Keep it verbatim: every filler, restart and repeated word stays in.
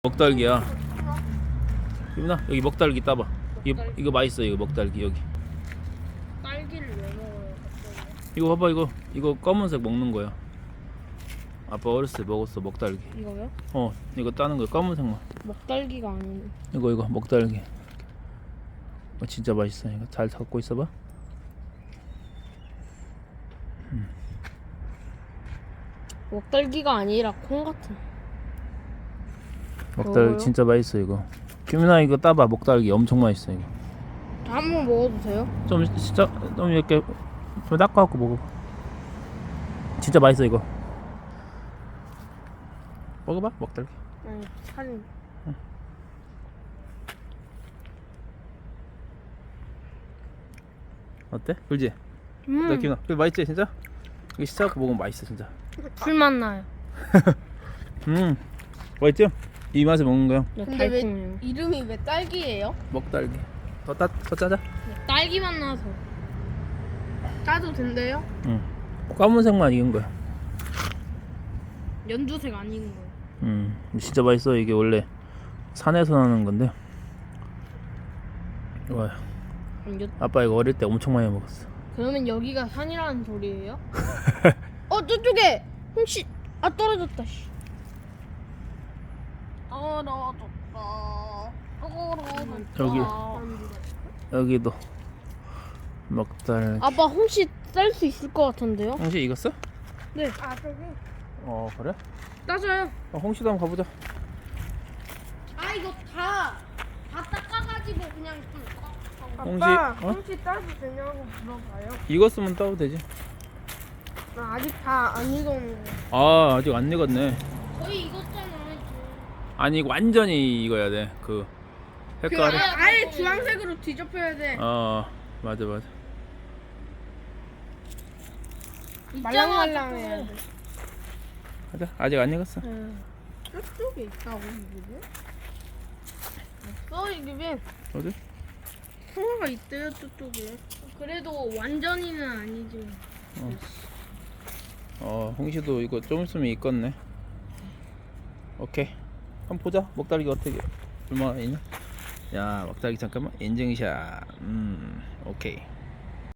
먹달기야. 유민아 여기 먹달기 따봐. 이거 이거 맛있어. 이거 먹달기 여기. 딸기를 왜 먹어요 갑자기? 이거 봐봐. 이거 이거 검은색 먹는 거야. 아빠 어렸을 때 먹었어 먹달기. 이거요? 어 이거 따는 거야 검은색만. 먹딸기가 아니네. 이거 이거 먹달기. 어, 진짜 맛있어. 이거 잘 갖고 있어봐. 먹딸기가 아니라 콩 같은. 먹달기 먹어요? 진짜 맛있어 이거. 규민아 이거 따봐. 먹달기 엄청 맛있어 이거. 저 한 번 먹어도 돼요? 좀 진짜 좀 이렇게 좀 닦아갖고 먹어. 진짜 맛있어 이거. 먹어봐 먹달기. 아니 사진. 어때? 그지? 음. 나 기훈아 그거 맛있지 진짜? 이거 시작하고 먹으면 맛있어 진짜. 풀맛 나요. 음 맛있죠? 이 맛에 먹는 거야. 근데 왜 달콤해요. 이름이 왜 딸기예요? 먹달기. 더 따, 더 짜자. 딸기 맛 나서. 따도 된대요? 응. 검은색만 익은 거야. 연두색 아닌 거예요. 음 진짜 맛있어. 이게 원래 산에서 나는 건데. 와 그럼 여, 아빠 이거 어릴 때 엄청 많이 먹었어. 그러면 여기가 산이라는 소리예요? 어 저쪽에 혹시 아 떨어졌다. 씨. 떨어졌다. 떨어졌다. 여기 여기도 먹달기. 아빠 홍시 쌀 수 있을 것 같은데요? 홍시 익었어? 네. 아 저기. 어 그래? 따져요. 어, 홍시도 한번 가보자. 아 이거 다 다 닦아가지고 그냥 좀. 홍시 아빠 어? 홍시 따도 되냐고 물어봐요. 익었으면 따도 되지. 나 아직 다 안 익었는데. 아 아직 안 익었네. 거의 익었잖아. 아니 이거 완전히 익어야 돼. 그 그 색깔이. 아, 아예 주황색으로 뒤덮여야 돼. 어 맞아 맞아. 말랑말랑해야 돼. 가자. 아직 안 익었어. 저쪽에 있다고 이게? 없어 이게. 어디? 통화가 있대요 저쪽에. 그래도 완전히는 아니지. 어 홍시도 이거 좀 있으면 익겠네. 오케이. 한번 보자. 먹다리가 어떻게 얼마나 있냐? 야 먹다리 잠깐만 인증샷. 음 오케이.